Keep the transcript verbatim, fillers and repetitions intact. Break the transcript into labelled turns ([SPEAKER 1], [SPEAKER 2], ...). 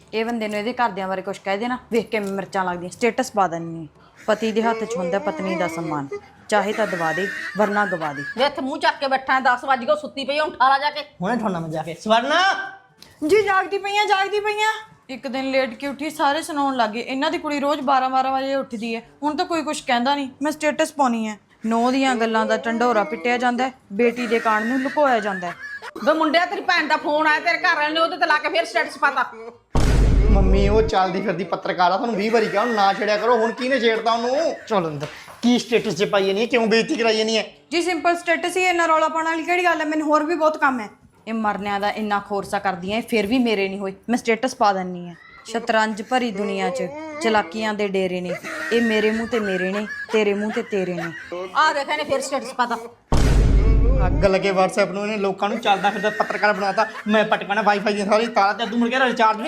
[SPEAKER 1] ਇਹ ਬੰਦੇ ਨੂੰ ਇਹਦੇ ਘਰਦਿਆਂ ਬਾਰੇ ਕੁਝ ਕਹਿ ਦੇਣਾ, ਵੇਖ ਕੇ ਮਿਰਚਾਂ ਲੱਗਦੀਆਂ, ਸਟੇਟਸ ਪਾ ਦਿੰਨੀ। ਪਤੀ ਦੇ ਹੱਥ 'ਚ ਹੁੰਦਾ ਪਤਨੀ ਦਾ ਸਨਮਾਨ, ਚਾਹੇ ਤਾਂ ਦਵਾ ਦੇ ਵਰਨਾ ਗਵਾ ਦੇ।
[SPEAKER 2] ਵੇ ਇੱਥੇ ਮੂੰਹ ਚੱਕ ਕੇ ਬੈਠਾ ਦਸ ਵਜ ਗਏ ਸੁੱਤੀ ਪਈ ਹੁਣ ਠਾਲਾ ਜਾ ਕੇ
[SPEAKER 3] ਹੁਣੇ ਠੋਣਾ ਮੈਂ ਜਾ ਕੇ। ਸਵਰਨਾ
[SPEAKER 1] ਜੀ ਜਾਗਦੀ ਪਈਆਂ ਜਾਗਦੀ ਪਈਆਂ। ਇੱਕ ਦਿਨ ਲੇਟ ਕੇ ਉੱਠੀ, ਸਾਰੇ ਸੁਣਾਉਣ ਲੱਗੇ ਇਹਨਾਂ ਦੀ ਕੁੜੀ ਰੋਜ਼ ਬਾਰਾਂ ਬਾਰਾਂ ਵਜੇ ਉੱਠਦੀ ਹੈ। ਹੁਣ ਤਾਂ ਕੋਈ ਕੁਝ ਕਹਿੰਦਾ ਨਹੀਂ, ਮੈਂ ਸਟੇਟਸ ਪਾਉਣੀ ਹੈ। ਨੌ ਦੀਆਂ ਗੱਲਾਂ ਦਾ ਢੰਡੋਰਾ ਪਿੱਟਿਆ ਜਾਂਦਾ, ਬੇਟੀ ਦੇ ਕਾਣ ਨੂੰ ਲੁਕੋਇਆ ਜਾਂਦਾ।
[SPEAKER 2] ਵੇ ਮੁੰਡਿਆ ਤੇਰੀ ਭੈਣ ਦਾ ਫੋਨ ਆਇਆ ਤੇਰੇ ਘਰ ਵਾਲੇ ਨੇ ਉਹਦੇ ਤੇ ਲਾ ਕੇ ਫੇਰ ਸਟੇਟਸ ਪਾਤਾ।
[SPEAKER 3] ਮੰਮੀ ਉਹ ਚੱਲਦੀ ਫਿਰਦੀ ਪੱਤਰਕਾਰ ਆ, ਤੁਹਾਨੂੰ ਵੀਹ ਵਾਰੀ ਕਿਹਾ ਨਾ ਛੇੜਿਆ ਕਰੋ। ਹੁਣ ਕਿਹਨੇ ਛੇੜਤਾ ਉਹਨੂੰ? ਚਲ ਅੰਦਰ। ਕੀ ਸਟੇਟਸ 'ਚ ਪਾਈ ਨਹੀਂ ਹੈ? ਕਿਉਂ ਬੇਇੱਜ਼ਤੀ ਕਰਾਈ ਨਹੀਂ ਹੈ?
[SPEAKER 1] ਜੀ ਸਿੰਪਲ ਸਟੇਟਸ ਹੀ, ਇੰਨਾ ਰੌਲਾ ਪਾਉਣ ਵਾਲੀ ਕਿਹੜੀ ਗੱਲ ਹੈ? ਮੈਨੂੰ ਹੋਰ ਵੀ ਬਹੁਤ ਕੰਮ ਹੈ। ਇਹ ਮਰਨਿਆਂ ਦਾ ਇੰਨਾ ਖੋਰਸਾ ਕਰਦੀਆਂ, ਫਿਰ ਵੀ ਮੇਰੇ ਨਹੀਂ ਹੋਈ, ਮੈਂ ਸਟੇਟਸ ਪਾ ਦਿੰਨੀ ਆ। ਸ਼ਤਰੰਜ ਭਰੀ ਦੁਨੀਆ 'ਚ ਚਲਾਕੀਆਂ ਦੇ ਡੇਰੇ ਨੇ, ਇਹ ਮੇਰੇ ਮੂੰਹ ਤੇ ਮੇਰੇ ਨੇ, ਤੇਰੇ ਮੂੰਹ ਤੇ ਤੇਰੇ ਨੇ।
[SPEAKER 2] ਆ ਦੇਖ ਇਹਨੇ ਫੇਰ ਸਟੇਟਸ ਪਾਤਾ।
[SPEAKER 3] ਅੱਗ ਲੱਗੇ WhatsApp ਨੂੰ, ਇਹਨੇ ਲੋਕਾਂ ਨੂੰ ਚੱਲਦਾ ਫਿਰਦਾ ਪੱਤਰਕਾਰ ਬਣਾਤਾ। ਮੈਂ ਪਟਕਾਣਾ ਵਾਈਫਾਈ ਦੀਆਂ ਸਾਰੀ ਤਾਰਾਂ ਤੇ ਤੂੰ ਮੁੜ ਕੇ ਰਿਚਾਰਜ